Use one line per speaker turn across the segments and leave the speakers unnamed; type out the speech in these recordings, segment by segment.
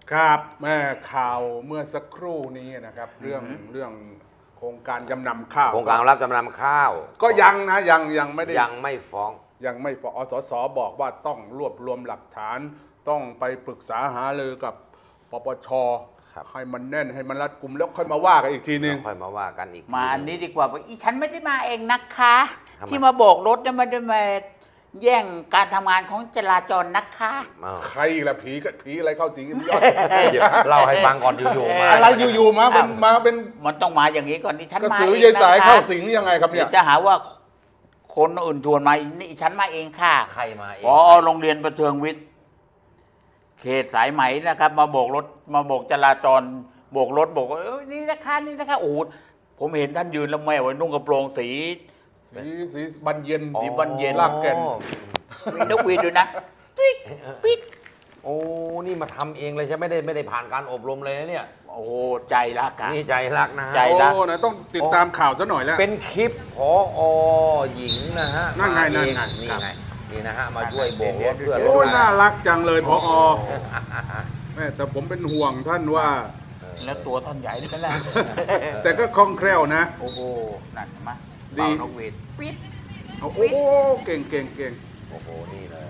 ครับแม่ข่าวเมื่อสักครู่นี้นะครับเรื่องโครงการจำนำข้าว
โครงการรับจำนำข้าว
ก็ยังนะยังไม่ได้
ยังไม่ฟ้อง
ยังไม่ฟ้องสสบอกว่าต้องรวบรวมหลักฐาน ต้องไปปรึกษาหารือกับปปชให้มันแน่นให้มันรัดกุมแล้วค่อยมาว่ากันอีกทีนึง
ค่อยมาว่ากันอีก
มาอันนี้ดีกว่าอีฉันไม่ได้มาเองนะคะ
ทำไม
ที่มาโบกรถเนี่ยไม่ได้มาแย่งการทำงานของจราจรนะคะ
ใครละผีอะไรเข้าสิงพี่ยอด
เดี๋ยวเล่าให้ฟังก่อนอยู่ๆมา
อะไรอยู่ๆมาเป็น
มันต้องมาอย่างนี้ก่อนที่ฉัน
กระ
มา
สือ
เอง
ยาย
นะ
สาย
คะ
เข้าสิงยังไงครับเนี่
เดี๋
ย
ยวจะหาว่าคนอื่นชวนมานี่ฉันมาเองค่ะ
ใครมาเอง
พอโรงเรียนประเทืองวิทย์เขตสายไหมนะครับ มาโบกรถมาโบกจราจรโบกรถบอกว่านี่นะคะโอ้โหผมเห็นท่านยืนแล้วแม่ไว้นุ่งกระโปรงสี
สีบานเย็น
สีบานเย็น
ลากแก่น
มีนกหวีดด้วยนะติ๊กปิ๊ก
โอ้นี่มาทำเองเลยใช่ไม่ได้ผ่านการอบรมเลยนะเนี่ย
โอ้โหใจรักอะ
นี่ใจรักนะฮะ
ใจรัก
โอ้นะต้องติดตามข่าวซะหน่อยแล้ว
เป็นคลิปผอหญิงนะฮะ
นั่นไง
มาเอง
นั่นไง
นี่
ครับ
ไงนี่นะฮะมาช่วยโบกรถเพื่อล
โอ้
ด
น่ารักจังเลยพอแม่แต่ผมเป็นห่วงท่านว่า
แล้วตัวท่านใหญ่ด้วยนะ
แต่ก็คล่องแคล่วนะ
โอ้โหนั่นมา
ดี
เป่านกหวีดปิ๊ด
โอ้โหเก่ง
โอ้โหนี่เลย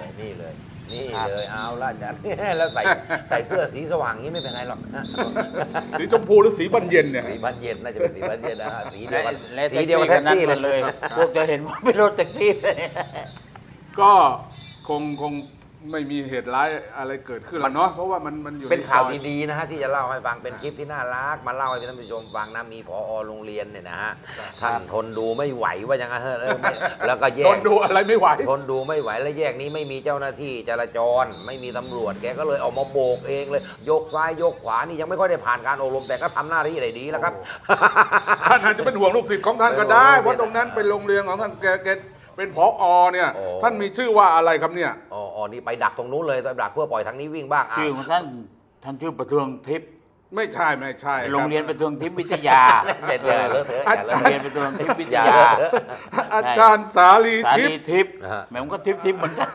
เอาละจัด แล้วใส่เสื้อสีสว่างนี้ไม่เป็นไรหรอก
สีชมพูหรือสีบานเย็นเนี่ย
สีบานเย็นน่าจะเป็นสีบานเย็นนะฮะสีเดียวกัน
และ
สีเดียวกับแท็กซี่
กันเลย พวกจะเห็นว่าเป็นรถแท็กซี่เลย
ก็คงไม่มีเหตุร้ายอะไรเกิดขึ้นหรอกเนาะเพราะว่ามันอยู่
เป็น
ในซ
ข่าว
อย
ดีๆนะฮะที่จะเล่าให้ฟังเป็นคลิปที่น่ารักมาเล่าให้ท่านผู้ชมฟังนะมีผอโรงเรียนเนี่ยนะฮะท่านทนดูไม่ไหวว่าอย่างนั้นเถอะแล้วก็แย
ท
ก
นดูอะไรไม่ไหว
ทนดูไม่ไหวแล้วแยกนี้ไม่มีเจ้าหน้าที่จราจรไม่มีตำรวจแกก็เลยออกมาโบกเองเลยยกซ้ายยกขวานี่ยังไม่ค่อยได้ผ่านการอบรมแต่ก็ทำหน้าที่ได้ดีแล้วครับ
ท่านอาจจะเป็นห่วงลูกศิษย์ของท่านก็ได้ เพราะตรงนั้นเป็นโรงเรียนของท่านแกเป็นผอเนี่ย
โอ้
ท่านมีชื่อว่าอะไรครับเนี่ย
อ๋อนี่ไปดักตรงนู้นเลยไปดักเพื่อปล่อยทางนี้วิ่งบ้างอ่ะ
ชื่อของท่านชื่อประเทืองทิพย์
ไม่ใช่คบ
โรงเรียนประเทืองทิพย์วิทยา
เจ็ดเลยเลอะเทอะอย่าเล
โร
อะ
งเรียนประเทืองทิพย์วิท
อย่าย
า
เลอะเทอะ
อาจารย์สาลี
สา
ทิพ
ลี
ย์
ทิพย์
นะฮะ
แหม่ผมก็ทิพย์เหมือนกัน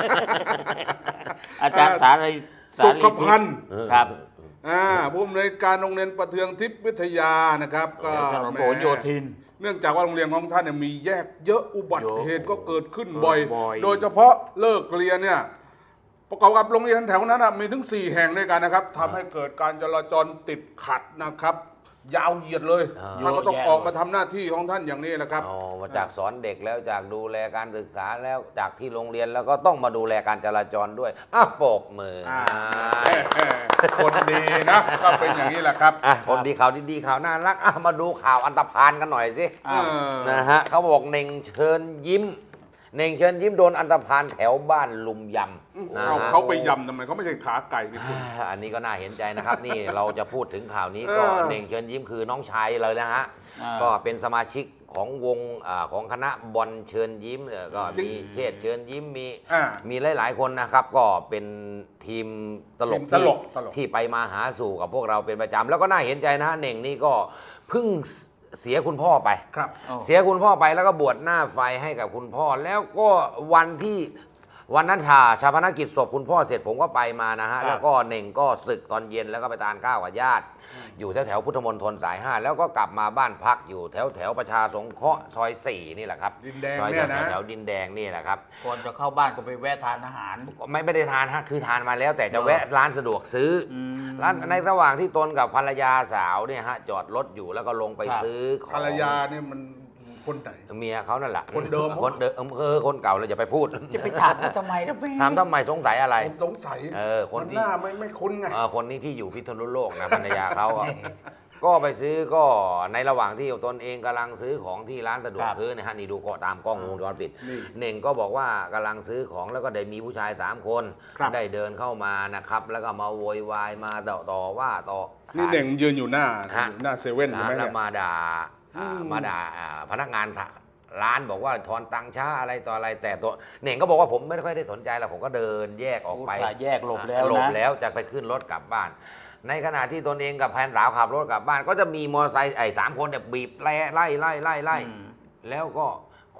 อาจารย์สาลี
สุขพันธ์
ครับ
ผู้อำนวยการโรงเรียนประเทืองทิพย์วิทยานะครับก็
ถนนผลโยธิน
เนื่องจากว่าโรงเรียนของท่านเนี่ยมีแยกเยอะอุบัติเหตุก็เกิดขึ้นบ่อย
บ่อย
โดยเฉพาะเลิกเรียนเนี่ยประกอบกับโรงเรียนแถวนั้นนะมีถึง 4 แห่งด้วยกันนะครับทำให้เกิดการจราจรติดขัดนะครับ ยาวเหยียดเลยท่านก็ต้องออกมาทำหน้าที่ของท่านอย่างนี้แหละครับ
อ๋อมาจากสอนเด็กแล้วจากดูแลการศึกษาแล้วจากที่โรงเรียนแล้วก็ต้องมาดูแลการจราจรด้วยโปกมือ
คนดีนะก็เป็นอย่างนี้แหละครับ
คนดีข่าวดีๆข่าวน่ารักมาดูข่าวอันตพาลกันหน่อยสิ
อ้าว
นะฮะเขาบอกเน่งเชิญยิ้มเน่งเชิญยิ้มโดนอันตพาลแถวบ้านลุมยำนะ
เอา
ฮะ
เขาไปยำทำไมเขาไม่ใช่ขาไก่นี่คุณ
อันนี้ก็น่าเห็นใจนะครับ นี่เราจะพูดถึงข่าวนี้ก็เน่งเชิญยิ้มคือน้องชายเลยนะฮะ ก็เป็นสมาชิกของวงของคณะบอลเชิญยิ้มก็มีเชษฐ์เชิญยิ้มมีหลายๆคนนะครับ ก็เป็นทีมตลก
ทีมตลก
ที่ไปมาหาสู่กับพวกเราเป็นประจำแล้วก็น่าเห็นใจนะฮะเน่งนี่ก็เพิ่งเสียคุณพ่อไป
ครับ
เสียคุณพ่อไปแล้วก็บวชหน้าไฟให้กับคุณพ่อ แล้วก็วันนั้นชาปนกิจศพคุณพ่อเสร็จผมก็ไปมานะฮะ
ครับ
แล้วก็เน่งก็ศึกตอนเย็นแล้วก็ไปทานข้าวกับญาติ อยู่แถวพุทธมณฑลสาย 5 แล้วก็กลับมาบ้านพักอยู่แถวประชาสงเคราะห์ซอย 4 นี่แหละครับ
ดินแดง
ซอย
เนี่ยนะ
แถวดินแดงนี่แหละครับ
ก่อนจะเข้าบ้านก็ไปแวะทานอาหาร
ไม่ได้ทานฮะคือทานมาแล้ว แต่จะแวะร้านสะดวกซื้ออ
ม
ร้านในระหว่างที่ตนกับภรรยาสาวเนี่ยฮะจอดรถอยู่แล้วก็ลงไป
ครับ
ซื้อของ
ภรรยาเนี่ยมันคนไหน
เมียเขานั่นแหละ
คนเดิม
คนเดิมคนเก่าเราจะไปพูด
จะไปถามเขาทำไมนะแม่
ถามทำไมสงสัยอะไร
ผมสงสัย
คน
มัน
ที่
หน้าไม่คุ้นไง
คนนี้ที่อยู่พิษณุโลกนะภรรยาเขาก็ไปซื้อก็ในระหว่างที่ตนเองกำลังซื้อของที่ร้านสะดวกซื้อนะฮะนี่ดูก็ตามกล้องวงจรปิด
นี่
เน่งก็บอกว่ากำลังซื้อของแล้วก็ได้มีผู้ชาย3 คน
ครับ
ได้เดินเข้ามานะครับ แล้วก็มาโวยวายมาต่อว่าต่อ
นี่เน่งยืนอยู่หน้า
ฮะ
อยู่หน้าเซเว่นใช่ไหม
แล้
เนี่
วย มาด่าพนักงานร้านบอกว่าทอนตังค์ช้าอะไรต่ออะไรแต่ตัวเน่งก็บอกว่าผมไม่ค่อยได้สนใจแล้วผมก็เดินแยกออกไป
อุตส่าห์แยกหลบแล้วนะ
หลบแล้วจะไปขึ้นรถกลับบ้าน ในขณะที่ตนเองกับแฟนสาวขับรถกลับบ้าน ก็จะมีมอเตอร์ไซค์3 คนเนี่ยบีบไล่
อืม
แล้วก็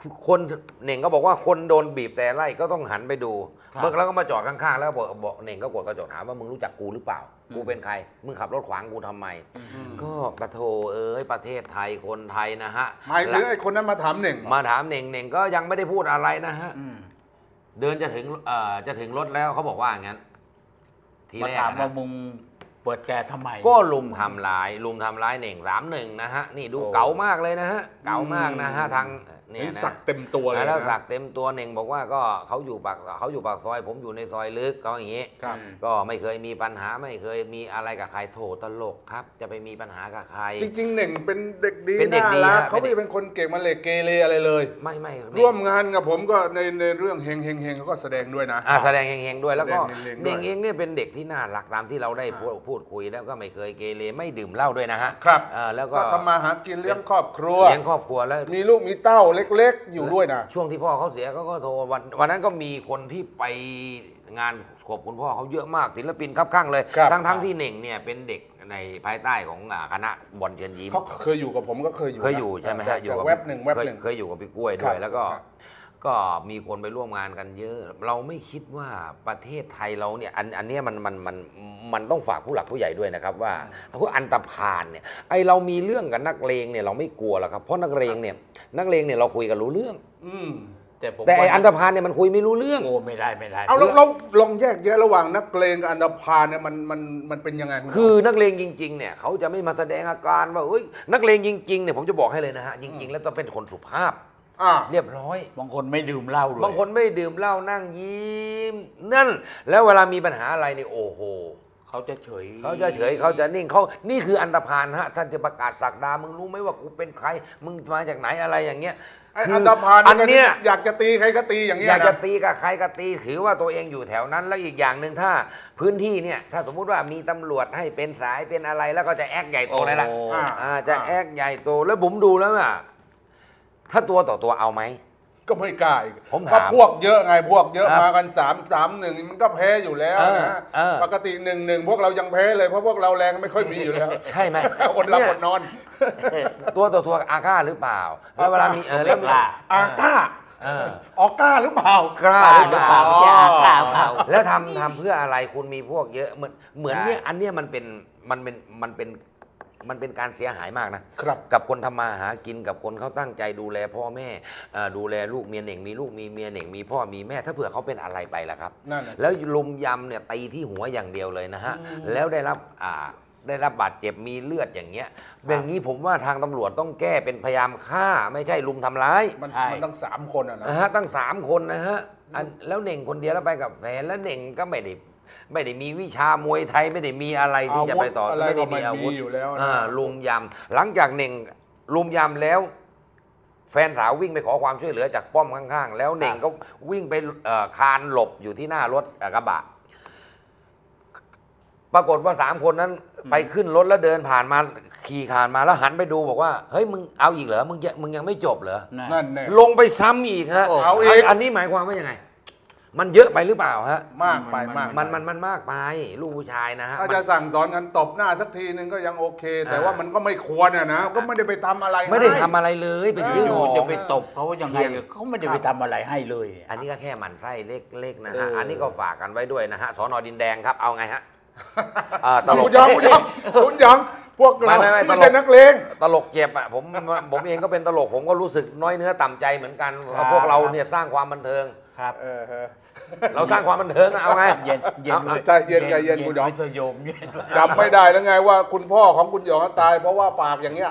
คนเหน่งก็บอกว่าคนโดนบีบแต่ไล่ก็ต้องหันไปดู
ครับ
เบิกแล้วก็มาจอดข้างๆแล้วบอกเหน่งก็กดกระจกถามว่ามึงรู้จักกูหรือเปล่า กูเป็นใครมึงขับรถขวางกูทำไม ก็ปะโถเอ้ยประเทศไทยคนไทยนะฮะ
หมายถึงไอ้คนนั้นมาถามเหน่ง
มาถามเหน่งก็ยังไม่ได้พูดอะไรนะฮะ
อืม
เดินจะถึงรถแล้วเขาบอกว่างั้นที
มา
แรก
ถามว่า
นะ
มึงเปิดแกทำไม
ก็ลุมทำร้ายเหน่ง3-1นะฮะนี่ดู
โอ้
เก๋ามากเลยนะฮะเก๋ามากนะฮะทางเนี่
เห็
ย
น
นะ
สักเต็มตัวเลย
แล้ว
นะ
สักเต็มตัวเหน่งบอกว่าก็เขาอยู่ปากซอยผมอยู่ในซอยลึกเขาอย่างนี้
ครับ
ก็ไม่เคยมีปัญหาไม่เคยมีอะไรกับใครโถตลกครับ จะไปมีปัญหากับใคร
จริงๆเหน่งเป็นเด็กดี
เป็นเด็กดี
น่ารัก
ฮะ
เขาไม่ได้เป็นคนเก่งมาเลยเกเรอะไรเลย
ไม่
ร่วมงานกับผมก็ในเรื่องเฮงเขาก็แสดงด้วยนะ
แสดงเฮงๆด้วยแล้วก็
แสดงเฮงๆด้วย
เน่งเองเนี่ยเป็นเด็กที่น่ารักตามที่เราได้พูดคุยแล้วก็ไม่เคยเกเรไม่ดื่มเหล้าด้วยนะฮะ
ครับ
แล้วก็
ก็ทำมาหากินเลี้ยงครอบครัว
เลี้ยงครอบครัวแล้ว
มีลูกมีเต้าเล็กๆ อยู่ด้วยนะ
ช่วงที่พ่อเขาเสียเขาก็โทรวันนั้นก็มีคนที่ไปงานศพคุณพ่อเขาเยอะมากศิลปินครับข้างเลย
ครับ
ทั้งที่เหน่งเนี่ยเป็นเด็กในภายใต้ของคณะบอลเชิญยิ้ม
เขาเคยอยู่กับผมก็เคยอยู่นะ
เคยอยู่ใช่ไหมฮะ
แต่
กับ
แวบหนึ่ง
เคยอยู่กับพี่กล้วยด้วย
ครับ
แล้วก็
ครับ
ก็มีคนไปร่วมงานกันเยอะ เราไม่คิดว่าประเทศไทยเราเนี่ยอันเนี้ยมันต้องฝากผู้หลักผู้ใหญ่ด้วยนะครับว่าพวกอันตพาลเนี่ยไอเรามีเรื่องกับนักเลงเนี่ยเราไม่กลัวหรอกครับเพราะนักเลงเนี่ยเราคุยกันรู้เรื่อง
อืม
แต่ไออันตพาลเนี่ยมันคุยไม่รู้เรื่อง
โอ้ไม่ได้
เอาเราลองแยกแยะระหว่างนักเลงกับอันดพาลเนี่ยมันเป็นยังไงณหม
คือนักเลงจริงๆเนี่ยเขาจะไม่มาแสดงอาการว่าเฮ้ยนักเลงจริงๆเนี่ยผมจะบอกให้เลยนะฮะจริง ๆ แล้วต้องเป็นคนสุภาพ
อ่า
เรียบร้อย
บางคนไม่ดื่มเหล้าด้วย
บางคนไม่ดื่มเหล้านั่งยิ้มนั่นแล้วเวลามีปัญหาอะไรนี่โอ้โห
เขาจะเฉย
เขาจะเฉยเขาจะนิ่งนี่คืออันธพาลฮะท่านจะประกาศศักดามึงรู้ไหมว่ากูเป็นใครมึงมาจากไหนอะไรอย่างเงี้ย
ไอ้
คื
อันดพาล
อันเนี้ย
อยากจะตีใครก็ตีอย่างเงี้ย
อยากจะ
นะ
ตีกับใครก็ตีถือว่าตัวเองอยู่แถวนั้น แล้วอีกอย่างหนึ่งถ้าพื้นที่เนี่ยถ้าสมมุติว่ามีตำรวจให้เป็นสายเป็นอะไรแล้วก็จะแอคใหญ่โตเลยล่ะ
โอ้
จะแอคใหญ่โตแล้วผมดูแล้วอ่ะถ้าตัวต่อตัวเอาไหม
ก็ไม่กล้าอีก
ผมถาม
ก็พวกเยอะไงพวกเยอะ
ครับ
มากัน3-1มันก็แพ้อยู่แล้วนะ ปกติ 1-1 พวกเรายังแพ้เลยเพราะพวกเราแรงไม่ค่อยมีอยู่แล้ว
ใช่ไหม
อดหลับ
เนี่ย
อดนอน
ตัวต่อตัวอาฆาตหรือเปล่าแล้วเวลามีแล้วมี
อาก้า
เออ
ออกก้าหรือเปล่า
กล้า
ป้า
ห
ห
รื
รือ อ
เป
เป
ล่า
ล่าไม่ใช่อาก้าเปล่า
แล้วทำเพื่ออะไรคุณมีพวกเยอะเหมือนเนี่ย
ใช่
อันเนี้ยมันเป็นการเสียหายมากนะ
ครับ
กับคนทำมาหากินกับคนเขาตั้งใจดูแลพ่อแม่ดูแลลูกเมียเหน่งมีลูกมีเมียเหน่งมีพ่อมีแม่ถ้าเผื่อเขาเป็นอะไรไปล่ะครับ
นั่นน่ะสิ
แล้วลุมยำเนี่ยตีที่หัวอย่างเดียวเลยนะฮะแล้วได้รับบาดเจ็บมีเลือดอย่างเงี้ยแบบนี้ผมว่าทางตำรวจต้องแก้เป็นพยายามฆ่าไม่ใช่ลุมทำร้าย
มัน
ใช่
ตั้ง3 คนอ่ะนะ
นะฮะตั้ง3 คนนะฮะแล้วเหน่งคนเดียวแล้วไปกับแฟนแล้วเหน่งก็ไม่ได้มีวิชามวยไทยไม่ได้มีอะไรที่จะไปต่อ
อาวุธอะไร
ไม่ได้มี
ก็ไม่
อาวุธ
มีอยู่แล้วนะ
ลุมยำหลังจากเหน่งลุมยำแล้ว แฟนสาววิ่งไปขอความช่วยเหลือจากป้อมข้างๆ แล้วเหน่งก็วิ่งไปคานหลบอยู่ที่หน้ารถกระบะปรากฏว่า3 คนนั้นไปขึ้นรถแล้วเดินผ่านมาขี่ผ่านมาแล้วหันไปดูบอกว่าเฮ้ยมึงเอาอีกเหรอมึงยังไม่จบเหรอ
นั่นแน่
ลงไปซ้ำอีกฮะ
เอาอีก
อันนี้หมายความว่ายังไง มันเยอะไปหรือเปล่าฮะ
มากไปมาก
มันมากไปลูกผู้ชายนะฮะ
ถ้าจะสั่งสอนกันตบหน้าสักทีนึงก็ยังโอเค แต่ว่ามันก็ไม่ควรอะนะก็ไม่ได้ไปทำอะไร
ไม่ได้
ให้
ทำอะไรเลยไปซื้อ
อ
ข
ยู่
อง
จะไปตบเขายังไงเขาไม่ได้ไปทำอะไรให้เลย
อันนี้ก็แค่หมันไส้เล็กๆนะฮะ
เอออั
อันนี้ก็ฝากกันไว้ด้วยนะฮะสนดินแดงครับเอาไงฮะตล
คุ
ก
ณยองคุณยองพวกเรา
ไม่
ไม่ใช่นักเลง
ตลกเจ็บอ่ะผมเองก็เป็นตลกผมก็รู้สึกน้อยเนื้อต่ำใจเหมือนกัน
ครับ
พวกเราเนี่ยสร้างความบันเทิง
ครับ
เราสร้างความบันเทิงอะเอาไง
เย็นเย็น
ใจเย็นใจเย็นคุณหยอง
ไม่โยมเย็น
จำไม่ได้แล้วไงว่าคุณพ่อของคุณหยองตายเพราะว่าปากอย่างเงี้ย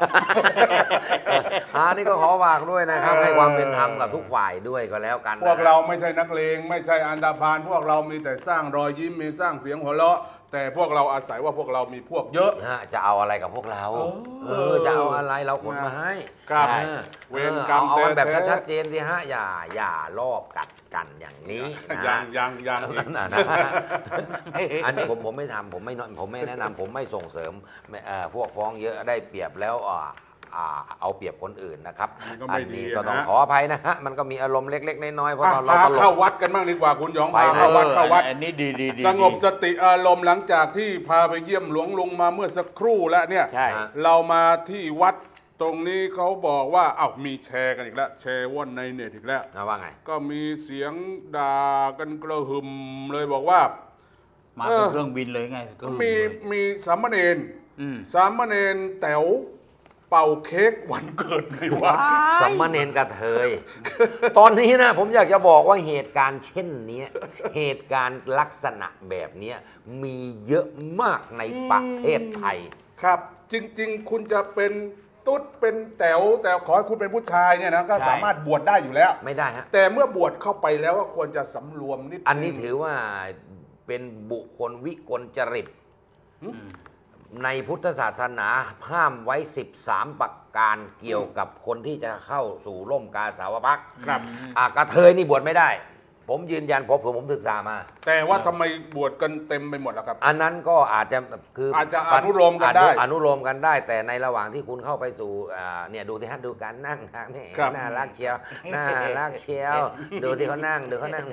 นี่ก็ขอฝากด้วยนะครับให้ความเป็นธรรมกับทุกฝ่ายด้วยก็แล้วกันนะ
พวกเราไม่ใช่นักเลงไม่ใช่อันดาพานพวกเรามีแต่สร้างรอยยิ้มมีสร้างเสียงหัวเราะแต่พวกเราอาศัยว่าพวกเรามีพวกเยอะ
จะเอาอะไรกับพวกเรา จะเอาอะไรเราขนมาให้
ครับ
เออ
เวรกรรม
เอากันแบบ
แท้ๆ
ชัดๆเจนสิฮะอย่ารอบกัดกันอย่างนี้นะ
ยังอีก
นะอันนี้ผมไม่ทำผมไม่แนะนำผมไม่ส่งเสริมพวกฟ้องเยอะได้เปรียบแล้วเอาเปรียบคนอื่นนะครับ
มันก็
อั
ไม่
น
ดี
นี้
อะ
ก็ต้อง
นะ
ขออภัยนะฮะมันก็มีอารมณ์เล็กๆน้อยๆเพราะ
อ่ะ
ตอนเรา
พา
ตล
เข้าก วัดกันบ้างดีกว่าคุณหยอง
ไป
พาเข้าวัดเข้าวัด
อันนี้ดีดี
สงบสติอารมณ์หลังจากที่พาไปเยี่ยมหลวงลุงมาเมื่อสักครู่แล้วเนี่ย
ใช่
เรามาที่วัดตรงนี้เขาบอกว่าอ้าวมีแชร์กันอีกแล้วแชร์ว่อนในเน็ตอีกแล้ว
ว่าไง
ก็มีเสียงด่ากันกระหึ่มเลยบอกว่า
มาเป็นเครื่องบินเลยไงก็
มีสามเณร
อืม
สามเณรแต๋วเป่าเค้กวันเกิดไงวะ
สัมมาเนนกระเทย ตอนนี้นะผมอยากจะบอกว่าเหตุการณ์เช่นเนี้ยเหตุการณ์ลักษณะแบบเนี้ยมีเยอะมากในประเทศไทย
ครับ จริง ๆ คุณจะเป็นตุ๊ดเป็นแต๋วแต่ขอให้คุณเป็นผู้ชายเนี่ยนะก็สามารถบวชได้อยู่แล้ว
ไม่ได้ฮะ
แต่เมื่อบวชเข้าไปแล้วก็ควรจะสำรวมนิดนึง
อันนี้ถือว่าเป็นบุคคลวิกลจริต ในพุทธศาสนาห้ามไว้ 13 ประการเกี่ยวกับคนที่จะเข้าสู่ร่มกาสาวพักตร์
ครับ
กระเทยนี่บวชไม่ได้ ผมยืนยันผมศึกษามา
แต่ว่าทำไมบวชกันเต็มไปหมดล่ะครับ
อันนั้นก็อาจจะคืออา
จจะอนุโลมกันได้
อนุโลมกันได้ แต่ในระหว่างที่คุณเข้าไปสู่เนี่ยดูที่ฮะดูการนั่งทางนี่
ครับ
น่ารักเชียวน่ารักเชียว ดูที่เขานั่งดูเขานั่ง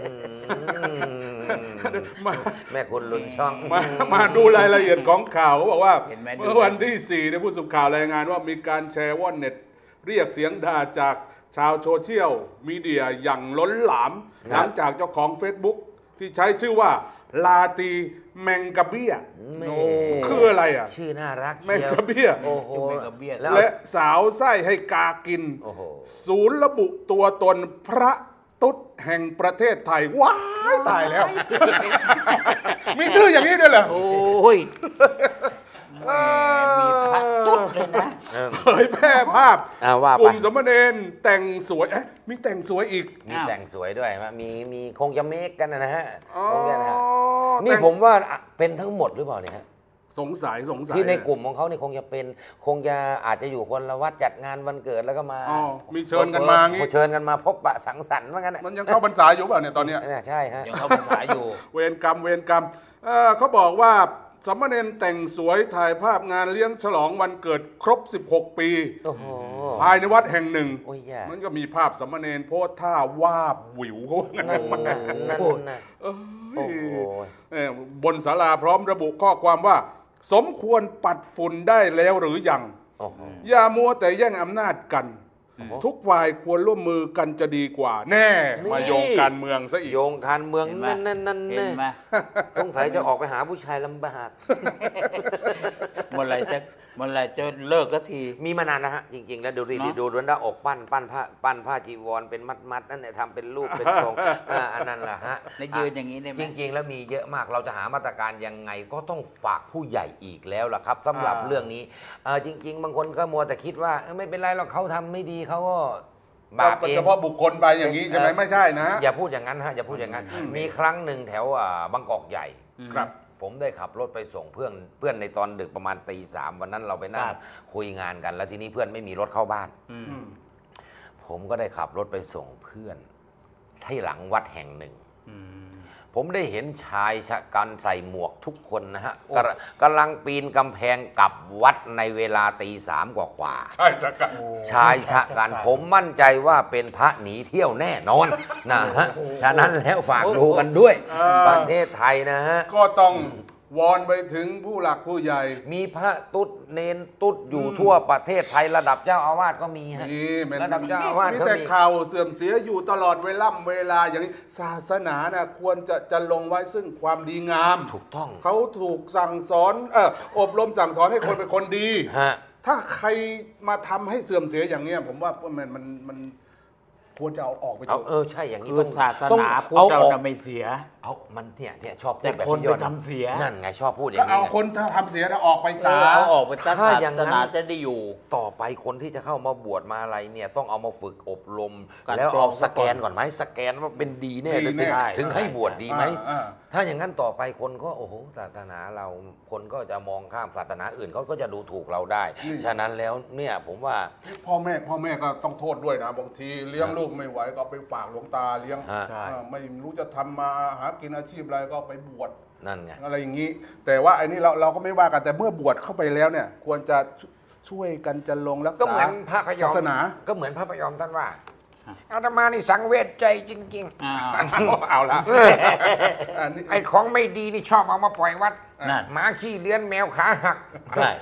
มา
แม่คุณลุนช่อง
มาดูรายละเอียดของข่าวเขาบอกว่า
เห็นไหม
เมื่อวันที่ 4ในยผู้สื่อข่าวรายงานว่ามีการแชร์ว่อนเน็ตเรียกเสียงด่าจากชาวโซเชียลมีเดียอย่างล้นหลาม
ครับ
หลังจากเจ้าของ Facebook ที่ใช้ชื่อว่าลาตีแมงกะเบี้ย
แม่
คืออะไรอ่ะ
ชื่อน่ารัก
แมง
เชียว
กะเบี้ย
โอ้โห
แมงกะเบี้ย
แล้ว
และสาวไส้ให้กากิน
โอ้โห
ศูนย์ระบุตัวตนพระตุ๊ดแห่งประเทศไทย ว้ายตายแล้ว มีชื่ออย่างนี้ด้วยเหรอ
โอ้ย
แหมมีพระตุ๊ดเลยนะ
เผยแพร่ภาพ
ว่าไป
กลุ่มสมณเณรแต่งสวยมีแต่งสวยอีก
มีแต่งสวยด้วยมีคงจะเมคกันนะฮะ
อ๋อ
คงจะนะฮะนี่
แต่ง
ผมว่าเป็นทั้งหมดหรือเปล่าเนี่ยฮะ
สงสัย
ที่ในกลุ่มของเขาเนี่ยคงจะอาจจะอยู่คนละวัดจัดงานวันเกิดแล้วก็มา
อ๋อมีเชิญกันมางี้
เชิญกันมาพบปะสังสรรค์ว่างั้นน่ะ
มันยังเข้าพรรษาอยู่เปล่าเนี่ยตอนเนี้ย
เนี่ยใช่ฮะ
ยังเข้าภาษาอยู่
เวรกรรมเขาบอกว่าสมณเณรแต่งสวยถ่ายภาพงานเลี้ยงฉลองวันเกิดครบ 16 ปี
โอ้โห
ภายในวัดแห่งหนึ่ง
โอ้ยแย่
มันก็มีภาพสมณเณรโพสท่าวาบหวิวเขาว่างั้น
นั่นนะนั่นนะ
เอ้
โอ้
ย
โห
บนศาลาพร้อมระบุข้อความว่า สมควรปัดฝุ่นได้แล้วหรือยัง
โอ้โห
อย่ามัวแต่แย่งอำนาจกัน
โอ้โห
ทุกฝ่ายควรร่วมมือกันจะดีกว่า แน่
นี่
มาโยงการเมืองซะอีก
โยงการเมือง
เห็นไหม
นั่น
เห็นไหม
สงสัยจะออกไปหาผู้ชายลำบาก
เมื่อไหรจะเลิกสักที
มีมานานนะฮะจริง ๆ แล้วดูดิ
เนอะ
ดูด้านอกปั้นผ้าจีวรเป็นมัดนั่นเนี่ยทำเป็นรูปเป็นทรงอันนั้นแหละฮะ
ในยืนอย่างนี้ได้ไหม
จริง ๆ แล้วมีเยอะมากเราจะหามาตรการยังไงก็ต้องฝากผู้ใหญ่อีกแล้วล่ะครับสำหรับเรื่องนี้จริง ๆ บางคนก็มัวแต่คิดว่าไม่เป็นไรหรอกเขาทำไม่ดีเขาก็บาปเอง
เฉพาะบุคคลไปอย่างนี้ใช่ไหมไม่ใช่นะ
อย่าพูดอย่างนั้นฮะอย่าพูดอย่างนั้น มีครั้งหนึ่งแถวบางกอกใหญ่
ครับ
ผมได้ขับรถไปส่งเพื่อนในตอนดึกประมาณตี 3วันนั้นเราไปนั่ง
ครับ
คุยงานกัน แล้วทีนี้เพื่อนไม่มีรถเข้าบ้าน
อืม
ผมก็ได้ขับรถไปส่งเพื่อนที่หลังวัดแห่งหนึ่ง
อืม
ผมได้เห็นชายชะกันใส่หมวกทุกคนนะฮะกำลังปีนกำแพงกลับวัดในเวลาตี 3กว่า
ใช่จักกัน
ชายชะกันผมมั่นใจว่าเป็นพระหนีเที่ยวแน่นอนนะฮะฉะนั้นแล้วฝากดูกันด้วย ประเทศไทยนะฮะ
ก็ต้องวอนไปถึงผู้หลักผู้ใหญ่
มีพระตุ๊ดเนนตุ๊ดอยู่ทั่วประเทศไทยระดับเจ้าอาวาสก็มีฮะ
นี่มัน
ระดับเจ้าอาวาส
มี
ก็
แต่
มี
ข่าวเสื่อมเสียอยู่ตลอดเวลาอย่างนี้ศาสนานะควรจะลงไว้ซึ่งความดีงาม
ถูกต้อง
เขาถูกสั่งสอนอบรมสั่งสอนให้คนเป็นคนดี
ฮะ
ถ้าใครมาทำให้เสื่อมเสียอย่างเนี้ยผมว่ามันควรจะเอาออกไป
เอาใช่อย่างนี้
คือศาส
ต้อง
นาพุทธ
เอา
เรา
ออก
น่ะไม่เสีย
เอามันเนี่ยชอบพูด
แต่
แบบ
คน
พี่ยอด
ไปทำเสีย
นั่นไงชอบพูดอ
ก็
ย่างนี้
เอา
ไง
คนถ้าทำเสียนะออกไปซะ
เอาออกไปศา
ถ้าอย่างนั้
ส
น
นาจะได้อยู่
ต่อไปคนที่จะเข้ามาบวชมาอะไรเนี่ยต้องเอามาฝึกอบรม
การ
แล้ว
กรอ
เอา
ง
สแกนก่อนไหมสแกนว่าเป็นดีแน่
ดี
หรือ
แน่
ถึงให้บวชดีไหม
อ่า
ถ้าอย่างนั้นต่อไปคนก็โอ้โหศาสนาเราคนก็จะมองข้ามศาสนาอื่นเขาก็จะดูถูกเราได้ ฉะนั้นแล้วเนี่ยผมว่า
พ่อแม่ก็ต้องโทษด้วยนะบางทีเลี้ยงลูกไม่ไหวก็ไปฝากหลวงตาเลี้ยง
ฮะ
ใช่
ไม่รู้จะทำมาหากินอาชีพอะไรก็ไปบวช
นั่นไง
อะไรอย่างนี้ แต่ว่าไอ้นี่เราก็ไม่ว่ากันแต่เมื่อบวชเข้าไปแล้วเนี่ย ควรจะช่วยกันจะลงรัก
ก็
ษา
เหมือนพระพยอม
ศาสนา
ก็เหมือนพระพยอมท่านว่าอาตมานี่สังเวชใจจริง
อ่า
เอาละอันนี้
ๆ ไอ้ของไม่ดีนี่ชอบเอามาปล่อยวัด
นั่น
หมาขี้เลื้อนแมวขาหัก
ใช่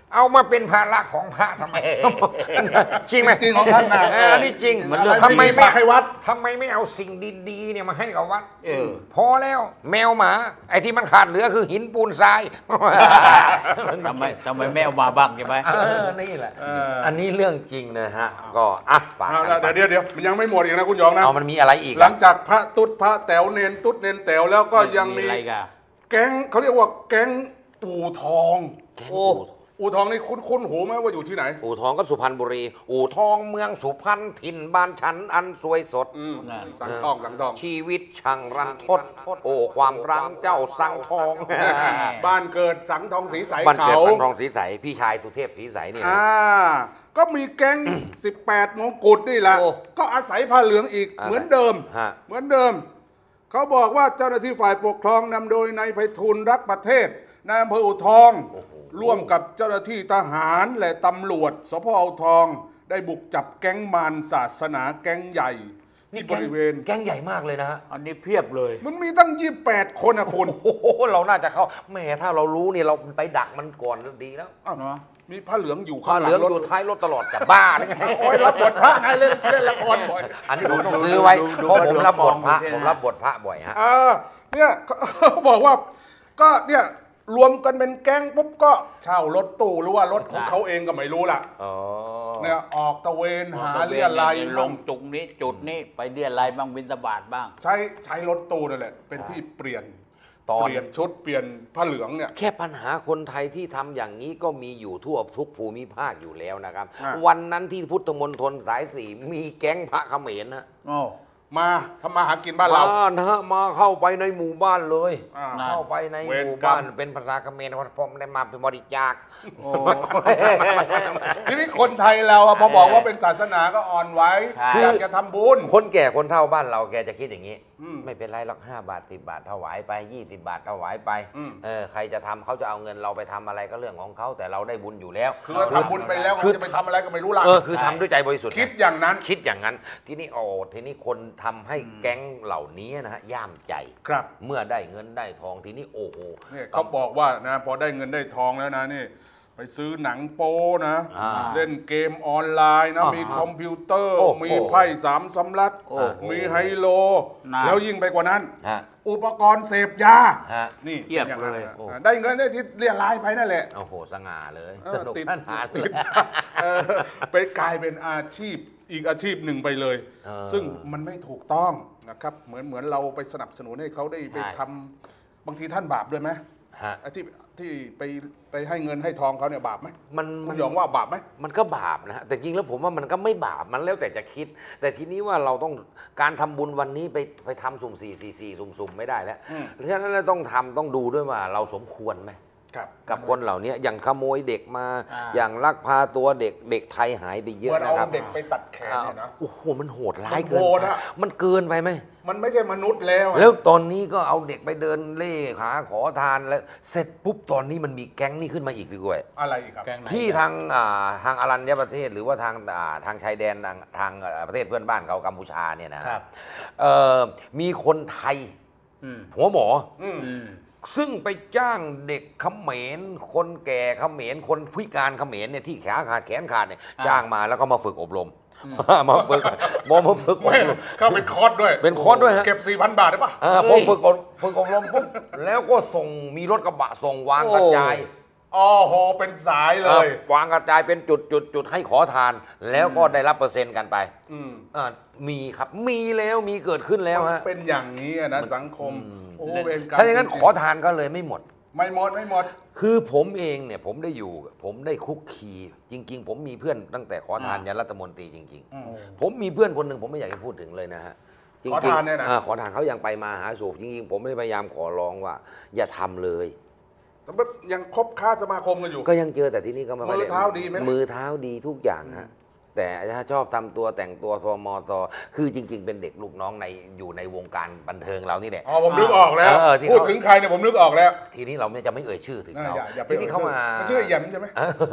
เอามาเป็นภาระของพระทำไม จริงไหม
จริงของท่านนะ
อันนี้จริง
มันเรื่อง
ทำไมไม่
ให้วัด
ทำไมไม่เอาสิ่งดีๆเนี่ยมาให้กับวัด
อ
พอแล้วแมวหมา ไอ้ที่มันขาดเหลือคือหินปูนทราย
ทำไมไม่เอามาบ้างใช่ไหม
นี่แหละ
อ
อันนี้เรื่องจริงนะฮะ ก็อ่ะฝาก
เอา
กัน
ละ
ไป
เดี๋ยวมันยังไม่หมดอีกนะคุณหยองนะ
เอามันมีอะไรอีก
หลั
อะ
งจากพระตุ๊ดพระแต๋วเนนตุ๊ดเนนแต๋วแล้วก็ยังมี
อะไรกัน
แก๊งเขาเรียกว่าแก๊งอู่ทอง
แก๊ง
โอ้อู่ทองนี่คุ้นหูไหมว่าอยู่ที่ไหน
อู่ทองก็สุพรรณบุรี อู่ทองเมืองสุพรรณถิ่นบ้านฉันอันสวยสด
สังทองสังทอง
ชีวิตช่างรันทด โอ้ความรังเจ้าสังทอง
บ้านเกิดสังทองสีใส
บ้านเกิด
เขา
สังทองสีใสพี่ชายตุเทพสีใสนี่นะ
ก็มีแก๊ง 18 มงกุฎนี่แหละ
โอ้
ก็อาศัยผ้าเหลืองอีก
อ่า
เหมือนเดิม
ฮะ
เหมือนเดิม เขาบอกว่าเจ้าหน้าที่ฝ่ายปกครองนำโดยนายไพฑูรย์รักประเทศนายอำเภออู่ทอง ร่วมกับเจ้าหน้าที่ทหารและตำรวจสพอู่ทอง ได้บุกจับแก๊งมารศาสนาแก๊งใหญ่ที่บริเวณ
แก๊งใหญ่มากเลยนะฮะ
อันนี้เพียบเลย
มันมีตั้ง 28 คนนะคุณ
โอ้โหเราน่าจะเข้าแหม่ถ้าเรารู้เนี่ยเราไปดักมันก่อนดีแล้ว
อ้าว
เนอะ
มีผ้าเหลืองอยู่
ผ้า
ข้าง
เห
หลั
ลือง
งรถ
อยู่ท้ายรถตลอดจะบ้าหรือไง
โอ้ยรับบทพระไงเล่นละครบ่อย
อันนี้ผมต้องซื้อไว้
ดู
เพราะผมรับบทพระ
ดู
ผมรับบทพระบ่อยฮะ
เนี่ยเขาบอกว่าก็เนี่ยรวมกันเป็นแก๊งปุ๊บก็เช่ารถตู้หรือว่ารถของเขาเองก็ไม่รู้ล่ะ
อ๋อ
เนี่ยออกตะเวนหาเรียอะไรย
ลงจุกนี้จุดนี้ไปเรียอะไรยบ้างบิณฑบาตบ้าง
ใช้รถตู้นั่นแหละเป็นที่เปลี่ยน
ตอน
เปลี่ยนชุดเปลี่ยนผ้าเหลืองเนี่ย
แค่ปัญหาคนไทยที่ทำอย่างนี้ก็มีอยู่ทั่วทุกภูมิภาคอยู่แล้วนะครับ
อ่า
วันนั้นที่พุทธมณฑลสายสี่มีแก๊งพระเขมรนะ
โอ้
มาทำมาหากินบ้านเรา
นะฮะมาเข้าไปในหมู่บ้านเลย
อ่า
เข้าไปใน
เว
ห
ร
มู่
กรรม
บ้านเป็นภาษาเขมรเพราะผมได้มาเป็นบริจาค
โอ้
ทีนี้คนไทยเราอะพอบอกว่าเป็นศาสนาก็อ่อนไหว้
ใช่
อยากจะทำบุญ
คนแก่คนเฒ่าบ้านเราแกจะคิดอย่างนี้
อืม
ไม่เป็นไรหรอก5 บาท10 บาทถวายไป20 บาทถวายไป
อืม
ใครจะทำเขาจะเอาเงินเราไปทำอะไรก็เรื่องของเขาแต่เราได้บุญอยู่แล้ว
คือเราทำบุญไปแล้วเขาจะไปทำอะไรก็ไม่รู้ล่ะ
คือทำด้วยใจบริสุทธิ์
คิดอย่างนั้น
คิดอย่างนั้น ทีนี้ทีนี้คนทำให้แก๊งเหล่านี้นะฮะย่ามใจ
ครับ
เมื่อได้เงินได้ทองทีนี้โอ้โห
เนี่ยเขาบอกว่านะพอได้เงินได้ทองแล้วนะนี่ไปซื้อหนังโป้นะ
อ่า
เล่นเกมออนไลน์นะ
อ่ามี
มีคอมพิวเตอร์
โอ้โห
มีไพ่สามสำรับ
โอ้โห
มีไฮโล
น่า
แล้วยิ่งไปกว่านั้น
ฮะ
อุปกรณ์เสพยา
ฮะ
นี่
เทียบ
ป็นอางนั้น
เลย
นะ
โอ้
ได้เงินได้ที่เรียรายไปนั่นแหละ
โอ้โหสง่าเลย
เออ
สนุก
ติด
สนาน
ติดไปกลายเป็นอาชีพอีกอาชีพหนึ่งไปเลย
เออ
ซึ่งมันไม่ถูกต้องนะครับเหมือนเราไปสนับสนุนให้เขาได้ไป
ใช่
ทำบางทีท่านบาปด้วยไหม
ฮะ
ไอ้ที่ไปให้เงินให้ทองเขาเนี่ยบาปไหม
มัน
คุณหยองว่าบาปไหม
มันก็บาปนะฮะแต่จริงแล้วผมว่ามันก็ไม่บาปมันแล้วแต่จะคิด แต่ทีนี้ว่าเราต้องการทำบุญวันนี้ไปทำสุ่ม444สุ่มๆไม่ได้แล้ว
อืม
เพราะฉะนั้นเราต้องดูด้วยว่าเราสมควรไหม
ครับ
กับคนเหล่านี้อย่างขโมยเด็กมา
อ่า
อย่างลักพาตัวเด็กไทยหายไปเย
เห
อะ
มือนเอา
นะครับ
เด็กไปตัดแขนเนี่ยนะ
โอ้โหมันโหดร้ายเกิน
มันโหด
ไป
อะ
มันเกินไปไหม
มันไม่ใช่มนุษย์แล้วอะ
แล้วตอนนี้ก็เอาเด็กไปเดินเล่หาขอทานแล้วเสร็จปุ๊บตอนนี้มันมีแก๊งนี่ขึ้นมาอีกพี่กล้วย
อะไรอีกครับ
แกงไหน
ที่ทางอรัญญประเทศหรือว่าทางชายแดนทางประเทศเพื่อนบ้านเขากัมพูชาเนี่ยนะครับ มีคนไทย
อืม
หัวหมอ
อืม
อืม
ซึ่งไปจ้างเด็กเขมรคนแก่เขมรคนพิการเขมรเนี่ยที่ขาขาดแขนขาดเนี่ย
อ่า
จ้างมาแล้วก็มาฝึกอบรมมาฝึกมาฝึกอบ
ไม่
รม
เข้าเป็นคอร์สด้วย
เป็นคอร์สด้วยฮะ
เก็บ 4,000 บาทได้ปะ
พอฝึกอบรมปุ๊บแล้วก็ส่งมีรถกระบะส่งวางกระจาย
อ๋อโหเป็นสายเลย
วางกระจายเป็นจุดให้ขอทาน แล้วก็ได้รับเปอร์เซ็นต์กันไป
อืม
มีครับมีแล้วมีเกิดขึ้นแล้วฮะ
เป็นอย่างนี้อะนะสังคม โอ้เวรกรรม
ถ้าอย่างนั้น
จริ
ขอทานก็เลยไม่หมด
ไม่หมดไม่หมด
คือผมเองเนี่ยผมได้อยู่ผมได้คุกคีจริง ๆ ผมมีเพื่อนตั้งแต่ขอทานยันรัฐมนตรีจริง
อืม
ๆ ผมมีเพื่อนคนหนึ่งผมไม่อยากจะพูดถึงเลยนะฮะจริงๆ
ขอทานเนี่ยนะ
ขอทานเขายังไปมาหาสู่จริงๆผมไม่ได้พยายามขอร้องว่า อย่าทำเลย
แต่ว่ายังคบค้าสมาคมกันอยู่
ก็ยังเจอแต่ที่นี่ก็ไม่ค่อย
มือเท้าดีไหม
มือเท้าดีทุกอย่างฮะแต่ถ้าชอบทำตัวแต่งตัวซมซคือจริง ๆ เป็นเด็กลูกน้องอยู่ในวงการบันเทิงเรานี่แหละ
อ๋อผมนึกออกแล้ว
ที่
พูด
เขา
ถึงใครเนี่ยผมนึกออกแล้ว
ทีนี้เราจะไม่เอ่ยชื่อถึงเขา
อย่าไป
ทีนี้เขามา
นชื่อไอ้แหยมใช่ไหม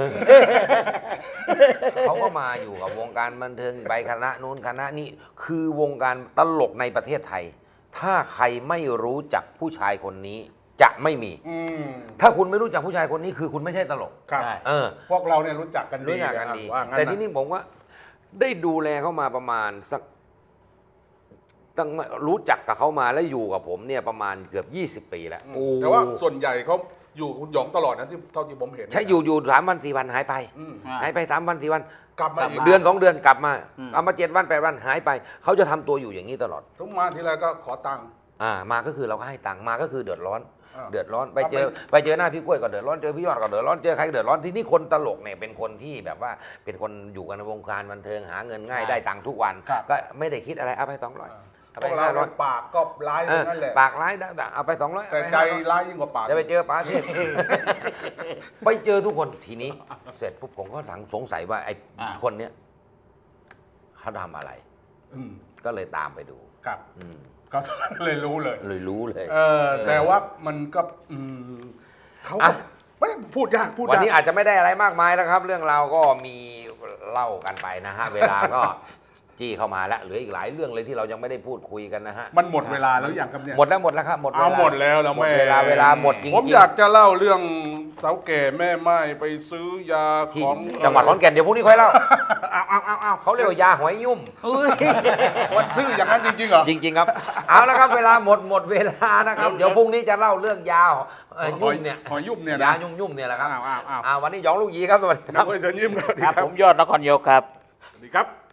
เขาก็มาอยู่กับวงการบันเทิงไปคณะนู้นคณะนี้คือวงการตลกในประเทศไทย ถ้าใครไม่รู้จักผู้ชายคนนี้จะไม่มี
อืม
ถ้าคุณไม่รู้จักผู้ชายคนนี้คือคุณไม่ใช่ตลก
ครับ
ใช่
เออ
พวกเราเนี่ยรู้จักกันดี
รู้จักกันดี
ว่างั้น
แต่
นะ
ที่นี่ผมว่าได้ดูแลเขามาประมาณสักตั้งรู้จักกับเขามาแล้วอยู่กับผมเนี่ยประมาณเกือบ20 ปีแล้ว
แต่ว่าส่วนใหญ่เขาอยู่คุณหยองตลอดนะที่เท่าที่ผมเห็น
ใช่อยู่3 วัน 4 วันหายไป
อืม
อ่า
หายไป3 วัน 4 วัน
กลับมาอีก
เดือน 2 เดือนกลับมา
อืม
เอามา7 วัน 8 วันหายไปเขาจะทำตัวอยู่อย่างนี้ตลอด
ทุกมาทีไรก็ขอตังค์
มาก็คือเราก็ให้ตังค์มาก็คือเดือดร้อน
อ่า
เดือดร้อนไปเจอหน้าพี่กล้วยก็เดือดร้อนเจอพี่ยอดก็เดือดร้อนเจอใครก็เดือดร้อนที่นี่คนตลกเนี่ยเป็นคนที่แบบว่าเป็นคนอยู่กันในวงการบันเทิงหาเงินง่ายได้ตังค์ทุกวัน ก็ไม่ได้คิดอะไรเอาไป200เอา
พ
ไป
วกเรา
500
ปากก็ร้ายทั้งนั้นแหละ
ปากร้ายต่างๆเอาไป200
แต่ใจร้ายยิ่งกว่าปาก
จะไปเจอป๋าเทพ ไปเจอทุกคนทีนี้เสร็จปุ๊บผมก็สงสัยว่าไอ้
อ่า
คนเนี้ยเขาทำอะไร
อืม
ก็เลยตามไปดู
ครับ
อืม
ก็เลยรู้เลย
เลยรู้เลย
แต่ว่ามันก็เขาก็
อ่ะ
ไม่พูดยากพูด
วัน
ยาก
นี้อาจจะไม่ได้อะไรมากมายแล้วครับ เรื่องราวก็มีเล่ากันไปนะฮะ เวลาก็ จี้เข้ามาแล้วเหลืออีกหลายเรื่องเลยที่เรายังไม่ได้พูดคุยกันนะฮะ
มันหมดเวลาแล้วอย่างครับเนี่ย
หมดแล้วครับหมดเวลา
เอาหมดแล้วแล้ว
หมด
แม่
เวลาหมดจริงๆ
ผมอยากจะเล่าเรื่องสาวแก่แม่ไม้ไปซื้อยา
ที่
ของ
จังหวัดขอนแก่นเดี๋ยวพรุ่งนี้ค่อยเล่า
เอา
เขาเรียกว่ายาหอยยุ่ม
มันชื่ออย่างนั้นจริงๆเหรอ
จริง ๆ ครับ เอาละครับเวลาหมดเวลานะครับ เดี๋ยวพรุ่งนี้จะเล่าเรื่องยายุ่มเนี่ย
หอยยุ่มเนี่ยนะ
ยายุ่มเนี่ยแหละครับ
อ้าว
วันนี้หยองลูกหยีครับสวัสดีค
นั
รั
ก
บ
เวทเชิญยิ้มครับสวัสดี
ครับ
ครับ
ผมยอดนครโยกครับ
สวัสดีครับ